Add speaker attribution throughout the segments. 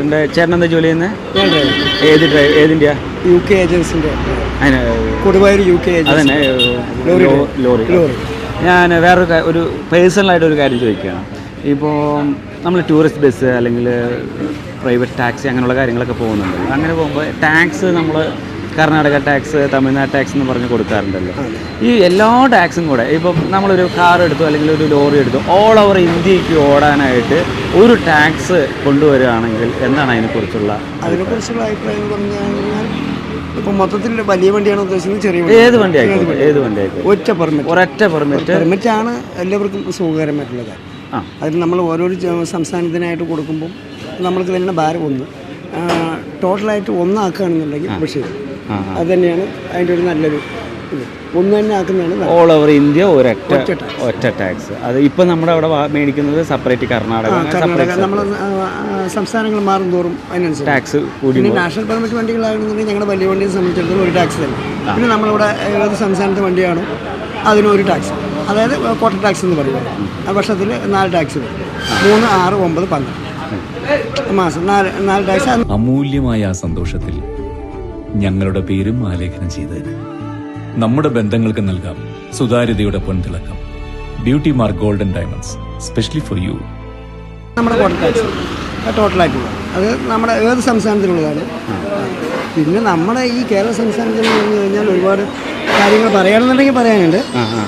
Speaker 1: ഡ്രൈവറിൻ്റെ ചേട്ടൻ എന്താ ജോലി ചെയ്യുന്നത്? ഏതിൻ്റെയാ?
Speaker 2: UK ഏജൻസിൻ്റെ.
Speaker 1: അതിന്
Speaker 2: കൊടുവായൂർ UK
Speaker 1: അതന്നെ ലോറി. ഞാൻ ഒരു പേഴ്സണലായിട്ടൊരു കാര്യം ചോദിക്കുകയാണ്. ഇപ്പോൾ നമ്മൾ ടൂറിസ്റ്റ് ബസ് അല്ലെങ്കിൽ പ്രൈവറ്റ് ടാക്സി അങ്ങനെയുള്ള കാര്യങ്ങളൊക്കെ പോകുന്നുണ്ടല്ലോ. അങ്ങനെ പോകുമ്പോൾ ടാക്സ് നമ്മൾ കർണാടക ടാക്സ്, തമിഴ്നാട് ടാക്സ് എന്ന് പറഞ്ഞ് കൊടുക്കാറുണ്ടല്ലോ. ഈ എല്ലാ ടാക്സും കൂടെ ഇപ്പം നമ്മളൊരു കാർ എടുത്തു അല്ലെങ്കിൽ ഒരു ലോറി എടുത്തു ഓൾ ഓവർ ഇന്ത്യക്ക് ഓടാനായിട്ട് ഒരു ടാക്സ് കൊണ്ടുവരികയാണെങ്കിൽ എന്താണ് അതിനെക്കുറിച്ചുള്ള
Speaker 2: അഭിപ്രായം എന്ന് പറഞ്ഞു കഴിഞ്ഞാൽ ഇപ്പം മൊത്തത്തിൽ വലിയ വണ്ടിയാണ് ഉദ്ദേശിക്കുന്നത്? ചെറിയ
Speaker 1: ഏത് വണ്ടി ആയിക്കോട്ടെ ഒരൊറ്റ
Speaker 2: പെർമിറ്റാണ് എല്ലാവർക്കും സുഖകരമായിട്ടുള്ള കാര്യം. അതിൽ നമ്മൾ ഓരോരോ സംസ്ഥാനത്തിനായിട്ട് കൊടുക്കുമ്പോൾ നമ്മൾക്ക് തന്നെ ഭാരം ഒന്ന് ടോട്ടലായിട്ട് ഒന്നാക്കുകയാണെന്നുണ്ടെങ്കിൽ പക്ഷേ അത് തന്നെയാണ് അതിൻ്റെ ഒരു നല്ലൊരു ഇത്. ഒന്ന് തന്നെ ആക്കുന്നതാണ്
Speaker 1: ഓൾ ഓവർ ഇന്ത്യ ഒറ്റ ടാക്സ്. അത് ഇപ്പം നമ്മുടെ അവിടെ മേടിക്കുന്നത് സെപ്പറേറ്റ് കർണാടക
Speaker 2: നമ്മൾ സംസ്ഥാനങ്ങൾ മാറും തോറും അതിനനുസരിച്ച്
Speaker 1: ടാക്സ് കൂടി.
Speaker 2: പിന്നെ നാഷണൽ പെർമിറ്റ് വണ്ടികളാണെന്നുണ്ടെങ്കിൽ ഞങ്ങളുടെ വലിയ വണ്ടിയെ സംബന്ധിച്ചിടത്തോളം ഒരു ടാക്സ് തന്നെ. പിന്നെ നമ്മളിവിടെ ഏത് സംസ്ഥാനത്തെ വണ്ടിയാണോ അതിനൊരു ടാക്സ്, അതായത് കോട്ട ടാക്സ് എന്ന് പറയുന്നത്. ആ വർഷത്തിൽ 4 ടാക്സ് വരും. 3, 6, 9, 12 മാസം 4 ടാക്സ്.
Speaker 3: അമൂല്യമായ ആ സന്തോഷത്തിൽ ഞങ്ങളുടെ പേരും ആലേഖനം ചെയ്തതിന് നമ്മുടെ ബന്ധങ്ങൾക്ക് നൽകാം സുതാര്യതയുടെ പൊൻതിളക്കം. Beauty mark golden diamonds specially for you.
Speaker 2: നമ്മുടെ കോട്ട ടാക്സ് ടോട്ടലായിട്ടുള്ള അത് നമ്മുടെ ഏത് സംസ്ഥാനത്തിലുള്ളതാണ്. പിന്നെ നമ്മുടെ ഈ കേരള സംസ്ഥാനത്തിൽ പറഞ്ഞു കഴിഞ്ഞാൽ ഒരുപാട് കാര്യങ്ങൾ പറയുകയാണെന്നുണ്ടെങ്കിൽ പറയാനുണ്ട്.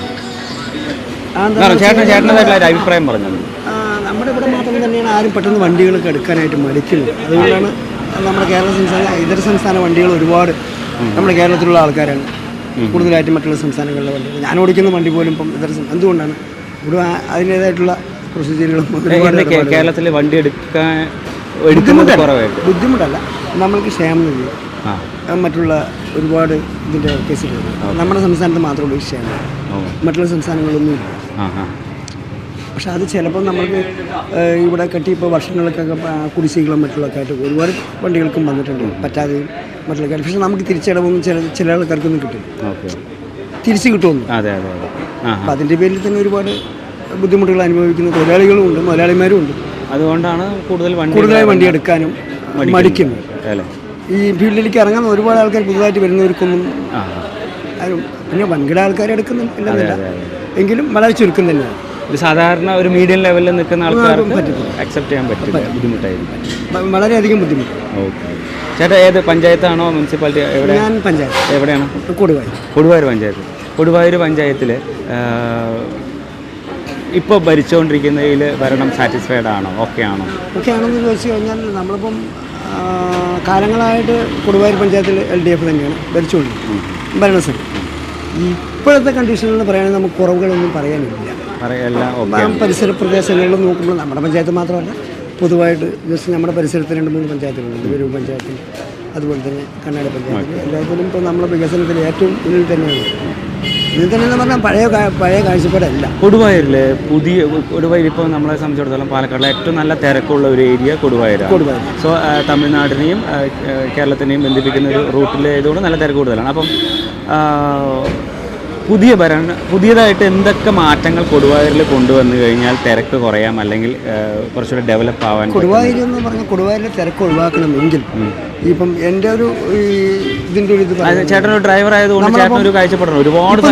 Speaker 1: അഭിപ്രായം പറഞ്ഞു.
Speaker 2: നമ്മുടെ ഇവിടെ മാത്രം തന്നെയാണ് ആരും പെട്ടെന്ന് വണ്ടികളൊക്കെ എടുക്കാനായിട്ട് മടിക്കുന്നത്. അതുകൊണ്ടാണ് നമ്മുടെ കേരള സംസ്ഥാന ഇതര സംസ്ഥാന വണ്ടികൾ ഒരുപാട് നമ്മുടെ കേരളത്തിലുള്ള ആൾക്കാരാണ് കൂടുതലായിട്ടും മറ്റുള്ള സംസ്ഥാനങ്ങളിലെ വണ്ടികൾ. ഞാൻ ഓടിക്കുന്ന വണ്ടി പോലും ഇപ്പം എന്തുകൊണ്ടാണ് ഇവിടെ അതിൻ്റേതായിട്ടുള്ള പ്രൊസീജിയറുകളും
Speaker 1: കേരളത്തിൽ വണ്ടി എടുക്കാൻ
Speaker 2: ബുദ്ധിമുട്ടല്ല. നമ്മൾക്ക് ക്ഷേമനിധി മറ്റുള്ള ഒരുപാട് ഇതിൻ്റെ കേസുകളുണ്ട്. നമ്മുടെ സംസ്ഥാനത്ത് മാത്രമുള്ള ഈ ക്ഷേമം, മറ്റുള്ള സംസ്ഥാനങ്ങളൊന്നും ഇല്ല. പക്ഷെ അത് ചിലപ്പോൾ നമ്മൾക്ക് ഇവിടെ കെട്ടി ഇപ്പോൾ വർഷങ്ങൾക്കൊക്കെ കുടിശ്ശികളും മറ്റുള്ളൊക്കെ ആയിട്ട് ഒരുപാട് വണ്ടികൾക്കും വന്നിട്ടുണ്ട് പറ്റാതെയും മറ്റുള്ള കാര്യം. പക്ഷെ നമുക്ക് തിരിച്ചടവൊന്നും ചില ആൾക്കാർക്കൊന്നും കിട്ടും, തിരിച്ച് കിട്ടുമെന്ന്. അപ്പം അതിൻ്റെ പേരിൽ തന്നെ ഒരുപാട് ബുദ്ധിമുട്ടുകൾ അനുഭവിക്കുന്ന തൊഴിലാളികളും ഉണ്ട്, മുതലാളിമാരും ഉണ്ട്.
Speaker 1: അതുകൊണ്ടാണ്
Speaker 2: കൂടുതലായി വണ്ടി എടുക്കാനും മടിക്കുന്നത്. ഈ ഫീൽഡിലേക്ക് ഇറങ്ങാൻ ഒരുപാട് ആൾക്കാർ പുതുതായിട്ട് വരുന്നവർക്കൊന്നും പിന്നെ വൻകിട ആൾക്കാർ എടുക്കുന്നില്ല, എങ്കിലും വളരെ ചുരുക്കം തന്നെയാണ്.
Speaker 1: സാധാരണ ഒരു മീഡിയം ലെവലിൽ നിൽക്കുന്ന ആൾക്കാർക്ക് അക്സെപ്റ്റ് ചെയ്യാൻ പറ്റില്ല, ബുദ്ധിമുട്ടായിരിക്കും,
Speaker 2: വളരെയധികം ബുദ്ധിമുട്ട്.
Speaker 1: ഓക്കെ. ചേട്ടാ ഏത് പഞ്ചായത്താണോ മുനിസിപ്പാലിറ്റി?
Speaker 2: ഞാൻ പഞ്ചായത്ത്.
Speaker 1: എവിടെയാണ്?
Speaker 2: കൊടുവായൂർ
Speaker 1: പഞ്ചായത്ത്. കൊടുവായൂർ പഞ്ചായത്തിൽ ഇപ്പോൾ ഭരിച്ചുകൊണ്ടിരിക്കുന്നതിൽ ഭരണം സാറ്റിസ്ഫൈഡ് ആണോ? ഓക്കെ
Speaker 2: ആണെന്ന് ചോദിച്ചു കഴിഞ്ഞാൽ നമ്മളിപ്പം കാലങ്ങളായിട്ട് കൊടുവായൂർ പഞ്ചായത്തിൽ LDF തന്നെയാണ് ഭരിച്ചുകൊണ്ടിരിക്കുന്നത് ഭരണസമിതി. ഇപ്പോഴത്തെ കണ്ടീഷനിൽ പറയുകയാണെങ്കിൽ നമുക്ക് കുറവുകളൊന്നും പറയാനില്ല. പരിസര പ്രദേശങ്ങളിൽ നോക്കുമ്പോൾ നമ്മുടെ പഞ്ചായത്ത് മാത്രമല്ല, പൊതുവായിട്ട് ജസ്റ്റ് നമ്മുടെ പരിസരത്ത് 2-3 പഞ്ചായത്തുകളുണ്ട്. വരൂർ പഞ്ചായത്തിൽ, അതുപോലെ തന്നെ കണ്ണാടി പഞ്ചായത്തിൽ. എല്ലാത്തിലും ഇപ്പോൾ നമ്മുടെ വികസനത്തിൽ ഏറ്റവും മുന്നിൽ തന്നെയാണ്. ഇതിൽ തന്നെ എന്ന് പറഞ്ഞാൽ പഴയ കാഴ്ചപ്പാടല്ല.
Speaker 1: കൊടുവായൂരിൽ ഇപ്പോൾ നമ്മളെ സംബന്ധിച്ചിടത്തോളം പാലക്കാടിലെ ഏറ്റവും നല്ല തിരക്കുള്ള ഒരു ഏരിയ കൊടുവായൂരാണ്. സോ തമിഴ്നാടിനെയും കേരളത്തിനെയും ബന്ധിപ്പിക്കുന്ന ഒരു റൂട്ടിലേതുകൊണ്ട് നല്ല തിരക്ക് കൂടുതലാണ്. അപ്പം പുതിയതായിട്ട് എന്തൊക്കെ മാറ്റങ്ങൾ കൊടുവായൂരിൽ കൊണ്ടുവന്നു കഴിഞ്ഞാൽ തിരക്ക് കുറയാം, അല്ലെങ്കിൽ കുറച്ചുകൂടെ ഡെവലപ്പ് ആവാൻ?
Speaker 2: കൊടുവായൂർ എന്ന് പറഞ്ഞാൽ കൊടുവായൂരിലെ തിരക്ക് ഒഴിവാക്കണമെങ്കിൽ ഇപ്പം എൻ്റെ ഒരു ഇതിൻ്റെ ഒരു
Speaker 1: ചേട്ടൻ ഒരു ഡ്രൈവർ ആയതുകൊണ്ട് ചേട്ടൻ ഒരു കാഴ്ചപ്പെടണം. ഒരുപാട്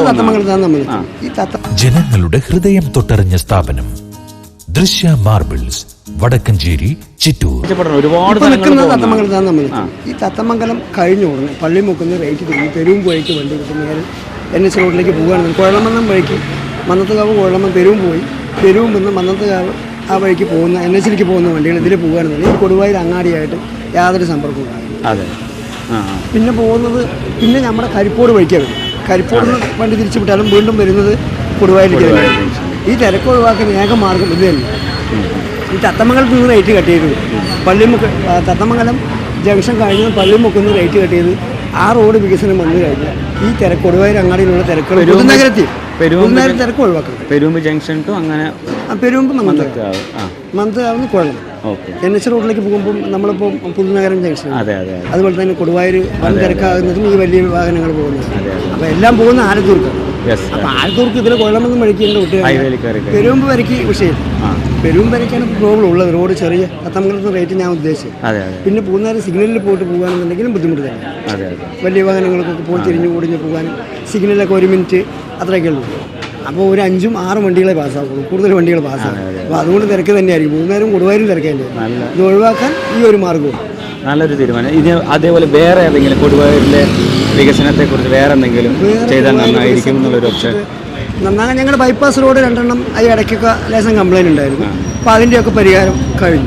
Speaker 4: ജനങ്ങളുടെ ഹൃദയം തൊട്ടറിഞ്ഞ സ്ഥാപനം ദൃശ്യ മാർബിൾസ്, വടക്കഞ്ചേരി, ചിറ്റൂർ.
Speaker 1: ഒരുപാട്
Speaker 2: ഈ തത്തമംഗലം കഴിഞ്ഞ ഉടനെ പള്ളിമുക്കുന്ന റേറ്റ് തിരിഞ്ഞ് പെരുമ്പുഴയ്ക്ക് വണ്ടി കിട്ടുന്ന NH റോഡിലേക്ക് പോകുകയാണെങ്കിൽ കുഴലമന്നം വഴിക്ക് മന്നത്തുകാവ് കുഴലമ്മ പെരുവും നിന്ന് മന്നത്തുകാവ് ആ വഴിക്ക് പോകുന്ന NH പോകുന്ന വണ്ടികൾ ഇതിൽ പോകുകയാണെന്നുണ്ടെങ്കിൽ കൊടുവായൂർ അങ്ങാടിയായിട്ട് യാതൊരു സമ്പർക്കവും ഉണ്ടാകും. പിന്നെ പോകുന്നത് നമ്മുടെ കരിപ്പോട് വഴിക്കാണ് വരും. കരിപ്പോട് വണ്ടി തിരിച്ചു വിട്ടാലും വീണ്ടും വരുന്നത് കൊടുവായൂരിലേക്ക് തന്നെയാണ്. ഈ തിരക്ക് ഒഴിവാക്കാൻ ഏക മാർഗം ഇത് തന്നെ. ഈ തത്തമംഗലത്ത് നിന്ന് റേറ്റ് കട്ട് ചെയ്ത് തത്തമംഗലം ജംഗ്ഷൻ കഴിഞ്ഞ് പള്ളിമുക്കുന്ന റേറ്റ് കട്ട് ചെയ്ത് ആ റോഡ് വികസനം വന്നു കഴിഞ്ഞാൽ ഈ കൊടുവായൂർ അങ്ങാടിയിലുള്ള തിരക്കുകൾ പൊതുനഗരത്തിൽ തിരക്ക് ഒഴിവാക്കണം.
Speaker 1: പെരുമ്പ് ജംഗ്ഷൻ ടു അങ്ങനെ
Speaker 2: പെരുമ്പ് മന്ദാവുന്ന കുഴണം NH റോഡിലേക്ക് പോകുമ്പോൾ നമ്മളിപ്പോൾ പുതുനഗരം ജംഗ്ഷൻ, അതുപോലെ തന്നെ കൊടുവായൂർ വൻ തിരക്കാകുന്നതും ഈ വലിയ വാഹനങ്ങൾ പോകുന്നത്. അപ്പോൾ എല്ലാം പോകുന്ന ആലത്തൂർക്കാണ്. അപ്പോൾ ആലത്തൂർക്ക് ഇതിൽ കുഴലമെന്ന് വഴിക്കേണ്ട വിട്ട് പെരുമ്പ് വരയ്ക്ക് വിഷയം പെരും വരയ്ക്കാണ് പ്രോബ്ലം ഉള്ളത്. റോഡ് ചെറിയ തത്തമംഗലത്ത് റേറ്റ് ഞാൻ ഉദ്ദേശിച്ചത്.
Speaker 1: അതെ അതെ
Speaker 2: പിന്നെ പൂന്നാർ സിഗ്നലിൽ പോയിട്ട് പോകുകയാണെന്നുണ്ടെങ്കിലും ബുദ്ധിമുട്ട് തന്നെ.
Speaker 1: അതെ അതെ.
Speaker 2: വലിയ വാഹനങ്ങൾക്കൊക്കെ പോയി തിരിഞ്ഞു ഓടിഞ്ഞ് പോകാനും സിഗ്നലൊക്കെ 1 മിനിറ്റ് അത്രയൊക്കെ ഉള്ളൂ. അപ്പോൾ ഒരു 5-6 വണ്ടികളെ പാസ്സാക്കുള്ളൂ, കൂടുതൽ വണ്ടികൾ പാസ്സാകും. അപ്പോൾ അതുകൊണ്ട് തിരക്ക് തന്നെയായിരിക്കും. മൂന്നാരും കൊടുവാരും തിരക്കേണ്ടി വരും. ഇത് ഒഴിവാക്കാൻ ഈ ഒരു മാർഗ്ഗവും
Speaker 1: നല്ലൊരു തീരുമാനം. ഇത് അതേപോലെ വേറെ ഏതെങ്കിലും കൊടുവായൂരിലെ വികസനത്തെക്കുറിച്ച് വേറെ എന്തെങ്കിലും ചെയ്താൽ നന്നായിരിക്കും എന്നുള്ളൊരു ഓപ്ഷൻ.
Speaker 2: നന്നാകാൻ ഞങ്ങളുടെ ബൈപ്പാസ് റോഡ് 2 എണ്ണം ഈ ഇടയ്ക്കൊക്കെ ലേശം കംപ്ലൈൻറ്റ് ഉണ്ടായിരുന്നു. അപ്പോൾ അതിൻ്റെയൊക്കെ പരിഹാരം കഴിഞ്ഞു.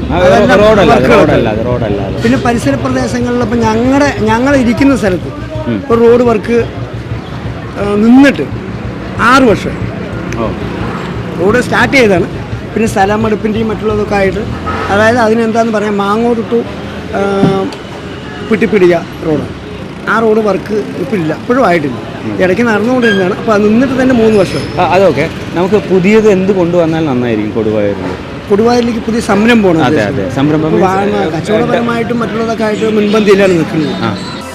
Speaker 2: പിന്നെ പരിസര പ്രദേശങ്ങളിൽ ഇപ്പം ഞങ്ങൾ ഇരിക്കുന്ന സ്ഥലത്ത് ഇപ്പോൾ റോഡ് വർക്ക് നിന്നിട്ട് 6 വർഷം റോഡ് സ്റ്റാർട്ട് ചെയ്താണ്. പിന്നെ സ്ഥലമെടുപ്പിൻ്റെയും മറ്റുള്ളതൊക്കെ ആയിട്ട്, അതായത് അതിനെന്താണെന്ന് പറയാം, മാങ്ങോട് ടു പിട്ടിപ്പിടിക റോഡാണ്. ആ റോഡ് വർക്ക് ഇപ്പോഴില്ല, ഇപ്പോഴും ആയിട്ടില്ല, ഇടയ്ക്ക് നടന്നുകൊണ്ടിരുന്നതാണ്. അപ്പോൾ അത് നിന്നിട്ട് തന്നെ 3 വർഷം.
Speaker 1: അതൊക്കെ നമുക്ക് പുതിയത് എന്ത് കൊണ്ടുവന്നാൽ നന്നായിരിക്കും
Speaker 2: കൊടുവായൂരിലേക്ക് പുതിയ സംരംഭമാണ്.
Speaker 1: അതെ അതെ, സംരംഭം
Speaker 2: കച്ചവടപരമായിട്ടും മറ്റുള്ളതൊക്കെ ആയിട്ട് മുൻപന്തിയിലാണ് നിൽക്കുന്നത്.